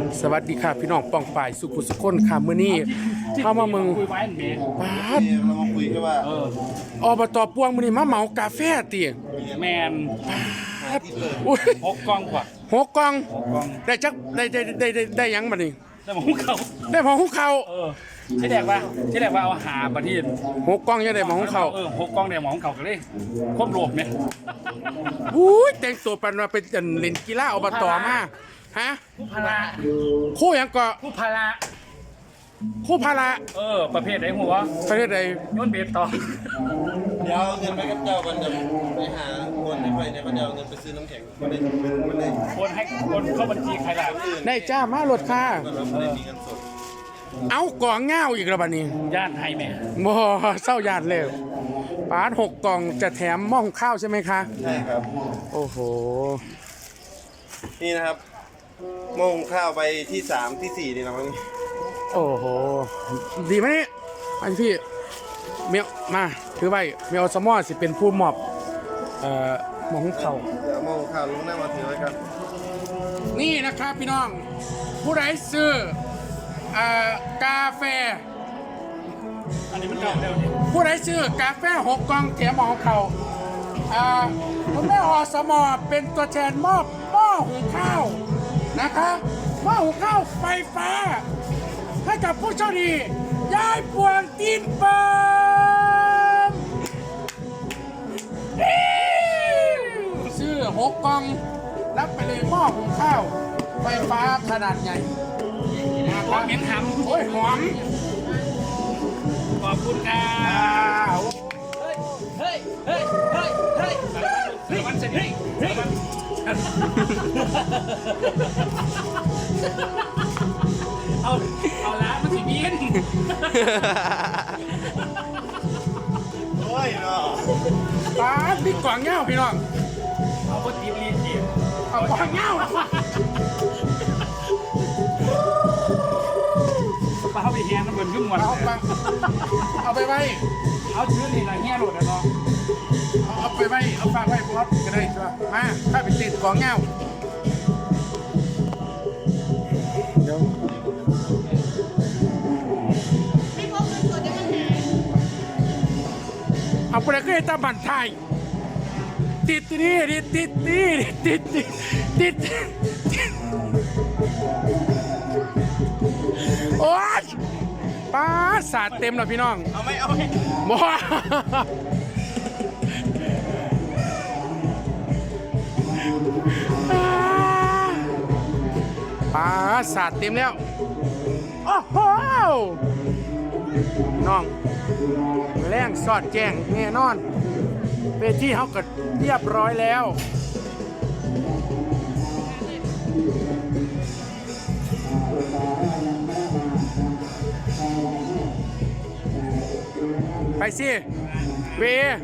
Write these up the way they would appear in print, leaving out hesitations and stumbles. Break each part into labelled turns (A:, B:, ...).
A: สวัสดีค่ะพี่น้องป้องป่ายสุขุสุขคนค่ะมื้อนี้เข้ามามึงปาด
B: เรามาคุยกันว่า
A: อบตปวงมื้อนี้มาเหมากาแฟติ
C: แมน
A: อุ้ย
C: 6 กล่องกว่า
A: หกกล่อง
C: 6 กล่อง
A: ได้จักได้หยังบัดนี้
C: แต่หมองเขา
A: ได้หมอหุงข้าว
C: ที่แรกว่าเอาหาประเทศ
A: หกกล่องยังได้หมอหุงข้าว
C: 6 กล่องเนี่ยหมองเขาก็เลยควบรวมไหม
A: อุ้ยแต่งตัวปันมาเป็นอันเล่นกีฬาอบตมาฮะ
C: ผู้พละ
A: คู่หยังก็
C: ผู้พละ
A: คู่พาระ
C: ประเภทไหนหัว
A: ประเทศใด
C: ย้อนเบสต่อ
B: เดี๋ยวเอาเงินไปกับเจ้ากันเดี๋ยวไปหาคนในไฟเนี่ยก็เดี๋ยวเอาเงินไปซื้อน้ำแข็งมันได้
C: คนเข้าบัญชีใครล่ะ
A: ได้จ้ามารถค่ะ
B: เราไม่ได้มีเงินสด
A: เอากล่องเงาอีกแล้วบัดนี้
C: ย่านไทยแม่
A: บ่เศร้าญาติเลยปาดหกกล่องจะแถมหม้อหุงข้าวใช่ไหมคะ
B: ใช่ครับ
A: โอ้โห
B: นี่นะครับโมงข้าวไปที่3ที่4นี่นะมั้ง
A: โอ้โห ดีไหมนี่อันพี่เมียวมาถือไว้เมียวสมอสิเป็นผู้มอบหม้อหุงข้าว
B: เดี๋ยวโมงข้าวลุงหน้ามาถือไว้กัน
A: นี่นะครับพี่น้อง ผู้ใดซื้อกาแฟ
C: อันนี้มันเก่าแล้วนี่
A: ผู้ใดซื้อกาแฟหกกล่องแถมหม้อหุงข้าวคุณแม่อสมอเป็นตัวแทนมอบหม้อหุงข้าวนะคะหม้อหุงข้าวไฟฟ้า ให้กับผู้โชคดียายพวงตีนเปิมซื้อหกกล่องรับไปเลยหม้อหุงข้าวไฟฟ้าขนาดใหญ่นะค
C: ขอ
A: รับ
C: เหม็นห
A: โอ้ยหอม
C: ำขอบคุณครั
A: อ้า
C: บ
A: ว
C: เฮ้ยมันเสร็จเอาละมันสิบิน
B: โอ้ยเนาะ
A: ปาดพี่กล่องเงาพี่น้อง
C: เอาพอดีรีจี
A: เอากล่องเงา
C: ปลาเข้าไปแฮนมันเหมือนขึ้นหมด
A: เอาไปไว้
C: เอาชื่อนี่ละแง่หลุดนะเนาะ
A: เอาไปไว้เอาฝากไว้บอสก็ได้ช่วยมาถ้าเป็นติดกล่องเงาเดี๋ยว เอาไปเลยก็ให้ตาบันไทยติดนี่ติดโอ๊ยป้าสาดเต็มแล้วพี่น้อง
B: เอาไหมเอาไหม
A: บ่ป้าสาดเต็มแล้วโอ้โหน้องแรงสอดแจ้งแน่นอนเวทีเขาก็เรียบร้อยแล้วไปสิเว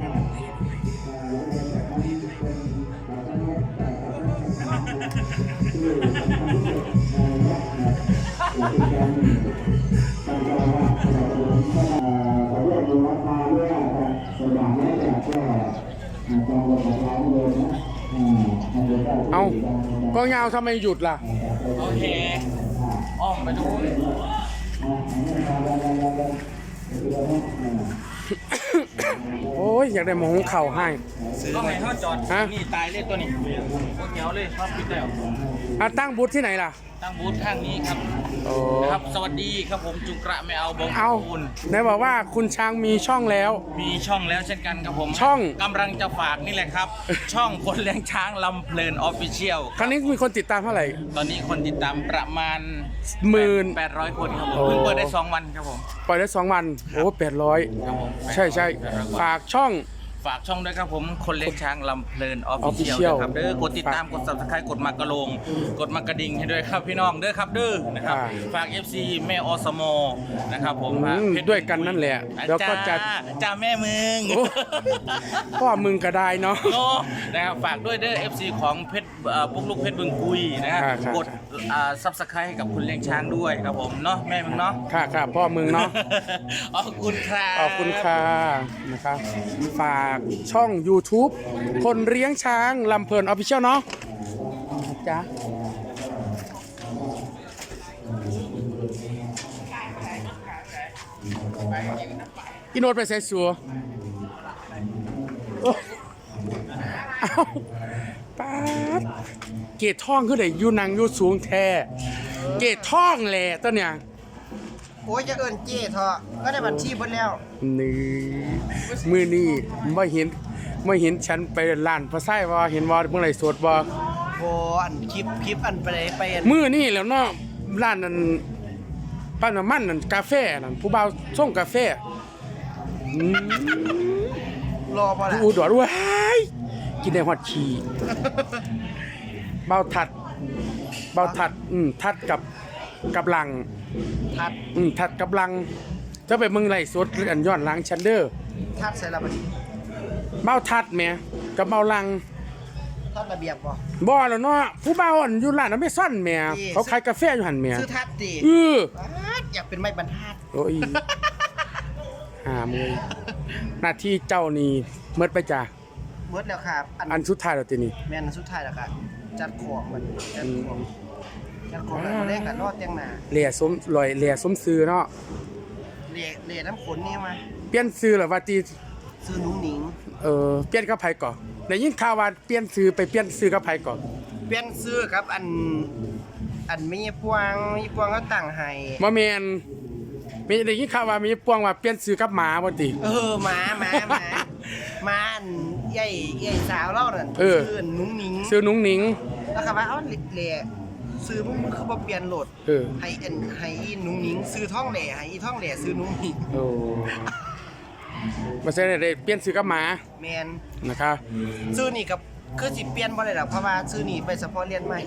A: เอาก็เงาทำไมหยุดล่ะ
C: โอเคอ้อมไปดู
A: โอ้ยอยากได้หมอหุงเข่าวให้
C: ต้องให้เขาจอด
A: ฮะ
C: นี่ตายเลยตัวนี้โคตรเหนียวเลยครับพี่แต้ว
A: ตั้งบูธที่ไหนล่ะ
C: ตั้งบูธข้างนี้ครับ
A: โอ้
C: นะครับ สวัสดีครับผมจุกระไม่เอาบง
A: เอา
C: คุณ
A: ไหนบอกว่าคุณช้างมีช่องแล้ว
C: มีช่องแล้วเช่นกันครับผม
A: ช่อง
C: กำลังจะฝากนี่แหละครับ ช่องคนเลี้ยงช้างลำเพลินออฟฟิเชียล
A: ครั้งนี้มีคนติดตามเท่าไหร่
C: ตอนนี้คนติดตามประมาณ
A: 18,000
C: คนครับผม
A: โอ้
C: เพิ่งเปิดได้ 2 วันครับผม
A: ปล่อยได้2 วัน โอ้800
C: ครับผม
A: ใช่ฝากช่อง
C: ฝากช่องด้วยครับผมคนเลี้ยงช้างลำเพลินออฟฟิเชียล
A: Official
C: ครับเด้อกดติดตามกด subscribe กดมากระโลง กดมากระดิ่งให้ด้วยครับพี่น้องเด้อครับเด้อนะครับ ฝาก FC แม่อสมนะครับผม
A: ด้วยกันนั่นแหละแล้วก็จะ
C: จ้าแม่มึง
A: โอ้พ่อมึงก็ได้เนาะ
C: โน่นะครับฝากด้วยเด้อ FC ของเพชรปุ๊กลูกเพชรบึงกุยนะครับ
A: ครับ
C: กดsubscribe ให้กับคุณเลี้ยงช้างด้วยครับผมเนาะแม่มึงเนาะ
A: ค่ะพ่อมึงเนาะ
C: ขอบคุณครับ
A: ขอบคุณค่ะนะครับฝากช่อง YouTube คนเลี้ยงช้างลำเพลินออฟฟิเชียลเนาะจ๊ะอีโนดไปใส่สัวโอ้เอ้าป๊าดเกตท่องคือได้อยู่นางอยู่สูงแท้เกตท่องแหละตัวเนี่ย
D: โอ้ยจะเอิ้นเจ้เถอะก็ได้บัญชีเบิดแล้ว
A: นี่มือนี่ไม่เห็นฉันไปร้านพระไส้ว่าเห็นว่าเมื่อไหร่สดว่า
D: โอ้อันคลิปอันไปอัน
A: มือนี่แล้วเนาะร้านนั้นปั้นน้ำมันนั่นกาแฟนั่นผู้บ่าวส่งกาแฟ
D: รอบ่ล่ะ
A: อุดรว้ายกินได้ฮอดขี้เบาทัดทัดกับลัง
D: ทัด
A: ทัดกับลังจะไปเมืองไหลสดอันย้อนหลังชันเดอร์
D: ทัดใส่ละบัดนี้
A: เบาทัดแหม่กับเบาลัง
D: ทัดระเบียบบ่
A: บ่แล้วเนาะผู้เบาอันอยู่ร้านอเมซอนแหม่เขาขายกาแฟอยู่หั่นแหม่
D: ซื้อทัดดิ อยากเป็นไม้บรรทัด
A: โอ้ยหามือหน้าที่เจ้านี่เมิดไปจ้ะ
D: เบิดแล้วครับ
A: อันสุดท้ายแล้วตินี่
D: แม่นสุดท้ายแล้วครับจัดของมันจัดของแล้วมาเล่นกันรอดเตียงหน้า
A: เหลี่ยสมลอยเหลี่ยสมซื้อเนาะ
D: เละน้ำขนนี่มา
A: เปลี่ยนซื้อเหรอว่าติ
D: ซื้อนุ้งหนิง
A: เปลี่ยนกับไผก่อนได้ยินข่าวว่าเปลี่ยนซื้อไปเปลี่ยนซื้อกับไผก่อน
D: เปลี่ยนซื้อครับอันมีพวงเขาตั้งให้
A: บ่แม่นมีได้ยินข่าวว่ามีปวงว่าเปลี่ยนซื้อกับหมาบ่ติ
D: หมาอันใหญ่สาวเล่านั่น
A: เออ
D: ซื้อนุ้งหนิง
A: ซื้อนุ้งหนิง
D: แล้วครับว่าเอ้าเละซื้อมึงคือบ่เปลี่ยนโหลด
A: เออ
D: ให้อีนุ้งหนิงซื้อท่องแหล่ให้อีท่องแหล่ซื้อนุ้งหนิง
A: โอ้บ่ใช่ได้เปลี่ยนซื้อกับหมา
D: แมน
A: นะครับ
D: ซื้อนี่กับคือสิเปลี่ยนบ่ได้หรอกเพราะว่าซื้อนี่ไปเฉพาะเรียนใหม่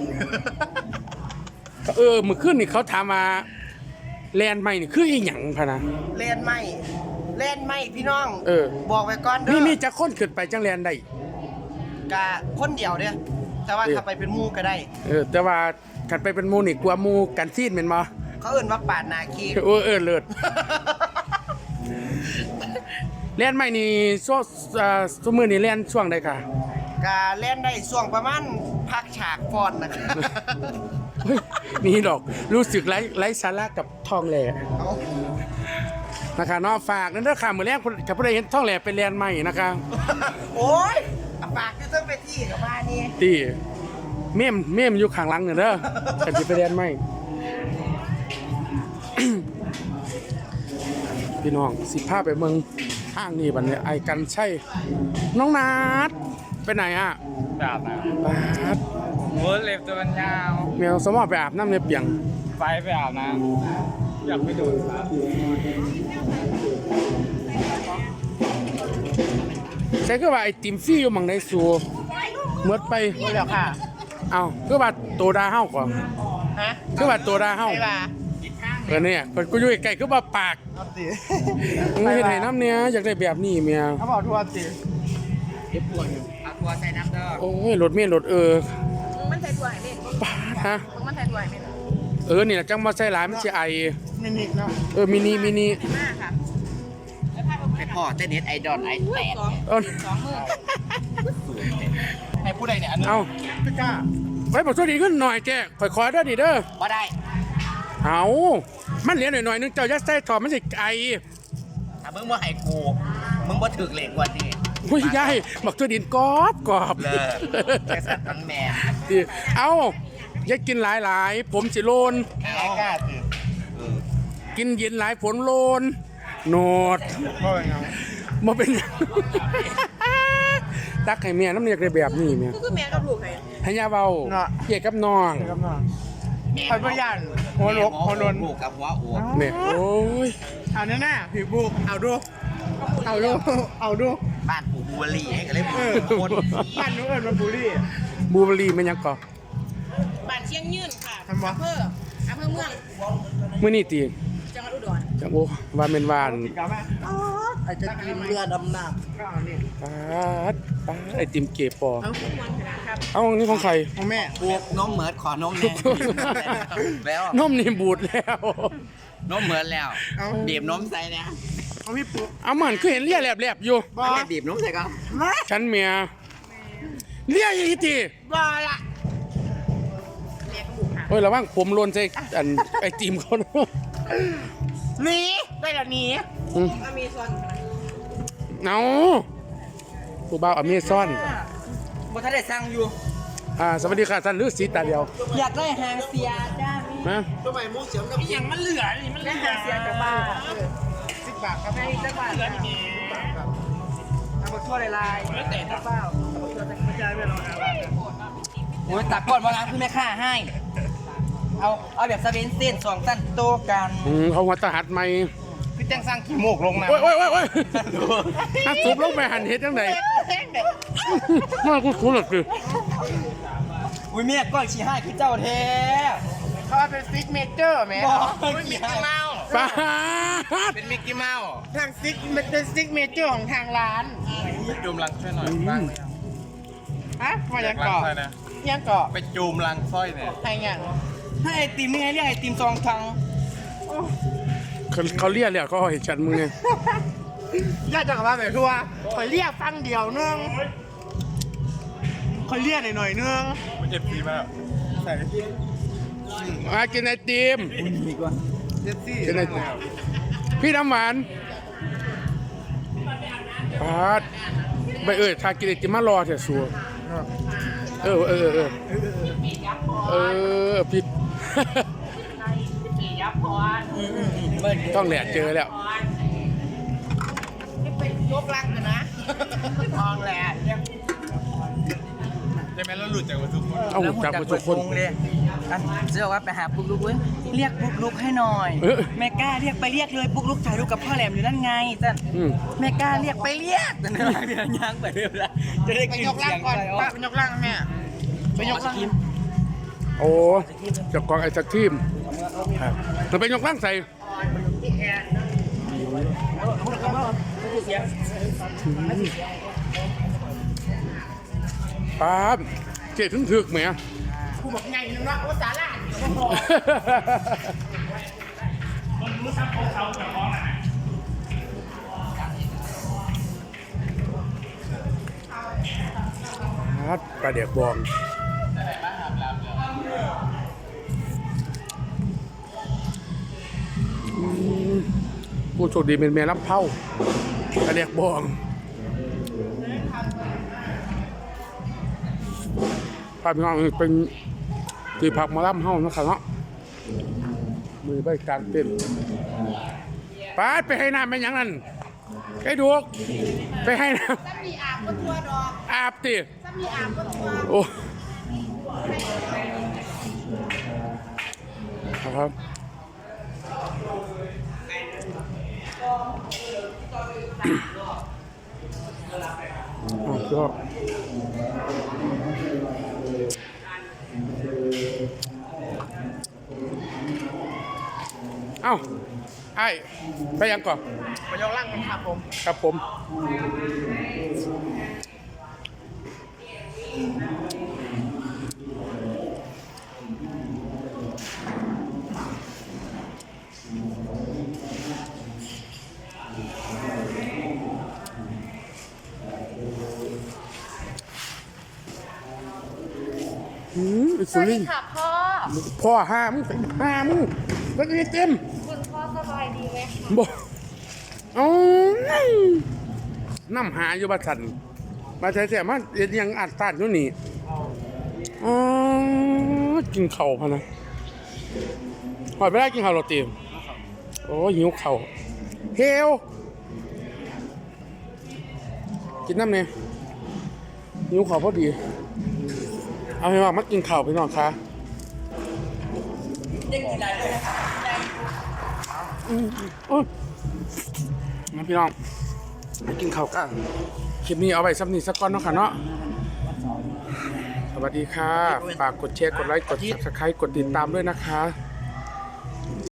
A: มื้อคืนนี่เขาถามว่าแลนด์ใหม่นี่คืออีหยังพะนะ
D: เรียนใหม่พี่น้อง บอกไว้ก่อนเด้อ
A: มีจักคนขึ้นไปจังแลนด์ได้
D: กะคนเดียวเด้อแต่ว่าถ้าไปเป็นหมู่ก็ได้
A: แต่ว่าคันไปเป็นหมู่นี่กลัวหมู่กันซีนแม่นบ่
D: เขาเอิ้นว่าปาดหนาคี
A: เลิศแลนด์ใหม่นี่ซุมื้อนี่แลนด์ช่วงใดค่ะ
D: กะเล่นได้ช่วงประมาณพักฉากฟอนนะครับ
A: เฮ้ยนี่ดอกรู้สึกไร้สาระกับทองแหล่นะคะเนาะฝากนั่นเด้อค่ะมื้อแรกกับผู้ใดเห็นทองแหล่เป็นแลนด์ใหม่นะคะ
D: โอ้ยปากคือต้องไปที่กับบ้านนี่
A: ตีเมมอยู่ข้างหลังเนี่ยเด้อกันสิไปแลนด์ใหม่ พี่น้องสิพาไปเมืองห้างนี่บัดนี้ไอ้กันใช่น้องนัดไปไหนอ่ะ
C: ไปอาบน้
A: บาด
C: ำโอ้เล็บตัวมันยาว
A: แมวสมอไปอาบน้ำในเปียง
C: ไปอาบน้ำอยากไปดูครับ
A: ใช่คือว่าไอ้ติมฟรี่อยู่หมังในสัวเมื่อไป
D: แล้วค่ะ
A: เอาคือว่าโตดาเฮาก่อน
D: ฮะ
A: คือว่าโตดาเฮา
D: ไปว่า
A: เนี่ยเพิ่นกูอยู่ใกล้ๆคือว่าปาก
D: เอาสิ
A: มึงเฮ็ดให้น้ำเนี่ยอยากได้แบบนี้เมีย
D: เขาบอกทัวร์สิ
C: เอาตัวใส่น้ำเด้อ
A: โอ้ยรถเมียรถ
E: มันใส่ถั่วให้เล่น
A: ปาดฮะ
E: มันใส่ถั่วให้เล่น
A: นี่ล่ะจังบ่ใส่หลายมันสิไอ
D: นิดๆเนาะ
A: มินิ
E: มากค่ะ
D: ให้พ่อเต้นเน็ตไอดอลไอแตก
A: เอ้า
E: สองมือ
D: ให้ผู้ใดเนี่ยอันนึง
A: เอา
D: พี่ก้า
A: ไว้บอกช่วยดีขึ้นหน่อยแกขอเด้อดิเด้อ
D: บ่ได้
A: เอามันเหลือหน่อยๆนึงเจ้ายัดใส่ถอดมันสิไอ
D: ถ้ามึงบ่ให้กูมึงบ่ถึกเหล็กวันนี้
A: อุ้ยยายบอกช่วยดินกรอบ
D: เลิกแค่สัตว์ทั้งแม่
A: เอาอย่ากินหลายๆ ผมสิโลน
D: เอากล้าสิ
A: กินเย็นหลายผลโลนโนด
D: บ่เป็นไง
A: บ่เป็นหยัง ตักให้เมียน้ำเนียกได้แบบนี้เมีย
E: ก็คือแม่กับลูกไง
A: ให้ยาเบาเกี่ยกับน้อง
D: ไปบ่ย่านหัวลกหัวนนบุกกับหัวอวก
A: เนี่ยโอ้ย
D: เอาแน่ๆพี่บุกเอาดูบ้านปู่บัวลี่ให้กันเลยคน
F: บ้านนู้นเอิญมาบุรี
A: บูเบอรี่มันยังก่อ
E: บ้านเชียงยืนค่ะ
F: ทำวะ
E: อำเภอเมือง
A: มื้อนี้ติ
E: จังหวัดอุดร
A: จังโอ้ว่าแม่นวาน
F: ติดกับแม่
D: ไอ้จะกินเรือดำน้ำ
F: ก็เอานี่
A: ป๊าดไอติมเก็บปอ
E: เอาทุกวันขนาดครับ
A: เอานี่ของใคร
F: ของแม่
D: บวกน้องเหมือดขอน้องแน่ แล้ว
A: นมนี่บูดแล้ว
D: น้องเหมือดแล้วบีบน้มใส่นะ
F: เอาพี่ปุ๊
A: เอามันคือเห็นเลียแหลบๆอยู่
F: บอ
D: ไม่บีบน้มใส่ก็
A: ฉันเมียเลียอีติ
E: บอละแม่กับลูกค่ะ
A: โอ้ยระวังผมโลนใส่อันไอติมเขาเนอะ
F: หนีได้แล้วหนี
E: อเมซอน
A: เอาผู้บ่าวอเมซอน
G: บ่ทันได้สั่งอยู่
A: สวัสดีค่ะท่านฤาษีตาเดียว
G: อยากได้หางเสียจ้า
A: นะ
F: อย่างมันเหลือนี่มันเหลือ
G: หางเสียจากบ้าน
D: 10 บาทครับ
G: ให้จักบาทจ้าเอาบักทั่วลายๆแต่เปล่าเอาบักทั่วไม่ใช่ไม่รอนะโอ้ยตักก่อนว่าร้านคือแม่ค้าให้ เอาแบบสเปนเส้น2สั้นโตกัน
A: เขาหัวตาหัดใหม่
D: พี่แจ้งสร้างขี้โมกลงนะ
A: โอ้ยถ้าสูบลงไปหันเฮ็ดจังไดมากูคุ้นหรอกดิ
G: อุ้ยเมียก้อยชี้ให้คือเจ้าแท้
D: เขาเป็นซิกเมเจอร์แหม
G: เป็นมิกกี้เมาส์
A: ป้าด
G: เป็นมิกกี้เมาส์
D: ทางซิกมันเป็นซิกเมเจอร์ของทางร้าน
C: จูมลังช่วยหน่อยบ้างไหมครับ
D: ฮะมายัง
C: ลัง
D: เกาะ
C: สร้อยนะ
D: ยังเกาะ
C: ไปจูมลังสร้อยเนี่ย
D: ใครยัง
G: ให้ไอติมนี่ไงเรียกไอติมซองทัง
A: เขาเรียกเลยเขาเห็นฉันมึงไง
D: ญาติจะกลับมาแบบทัวคอยเรียกฟังเดียวนึงคอยเรียกหน่อยนึง
C: ไม่เจ็บซีมาก
A: มากินไอติม
D: เจ็ดซี่
A: กินไอติมพี่น้ำหวานปาดไปถ้ากินไอติมมารอเถอะสัวพี่ ต้องแหลกเจอแล้ว
E: ยกลังกันนะ
G: มองแหละ
C: ใช่ไหมแล้วหลุดจากวัตถุคน
A: เอาจากทุกคน
G: เลยอันเจ้าว่าไปหาปุ๊กลุกเว้ยเรียกปุ๊กลุกให้หน่อย แม่กล้าเรียกไปเรียกเลยปุ๊กลุกถ่ายรูปกับพ่อแหลมอยู่นั่นไงจ้ะแม่กล้าเรียกไปเรียกแต่เดี๋ยวย่างไปเรื่อยๆจะได้
D: ไป
G: กิน
D: ยก
G: เสี
D: ล่าง
G: ยง
D: ก่อน
G: ไป
D: ป้าไปยกล่างแม่ไปยกล่าง
A: โอ้จากกองไอศครีมมันเป็นยกร่างใส่ป๊าบเจ๊ถึงไหม
D: กูบอกไงนึงว่าโอ้สาระ
A: ป๊าบปลาเด็กบองผู้โชคดีเป็นแม่รับเผาปลาเด็กบองภาพพี่น้องเป็นที่พักหมาล่ำเฮานะครับเนาะมือใบกลางเต้นป้าดไปให้น้ำเป็นอย่างนั้นไอ้ดูกไปให้น้
E: ซ้ำมีอาบก็ทัวดอก
A: ำอาบติ
E: ซ้ำมีอาบก็ทัว
A: โอ้ครับอ๋อก็เอ้าไอ้ไปยังก่อน
D: ไปยกล่างกันครับผม
A: ครับผมสุรินทร์
E: ค่ะพ่อ
A: พ่อห้ามแล้วก็เต็ม
E: คุณพ่อสบายดีไหมคะ
A: บอกเอาน้ำหาอยู่บ้านสันมาใช้แต่มาเอ็ดยังอัดตัดอยู่นี่อ๋อกินเข่าวพะนะหอยไปได้กินเข่าวโรตีโอ้หิวเข่าวเฮลกินน้ำเนี่ยหิวเข่าวพอดีเอาให้ว่ามากินข้าวพี่น้องคะงั้นพี่น้องมากินข้าวกันคลิปนี้เอาไว้สักนิดสักก้อนเนาะค่ะเนาะสวัสดีค่ะฝากกดแชร์กดไลค์กด Subscribe กดติดตามด้วยนะคะ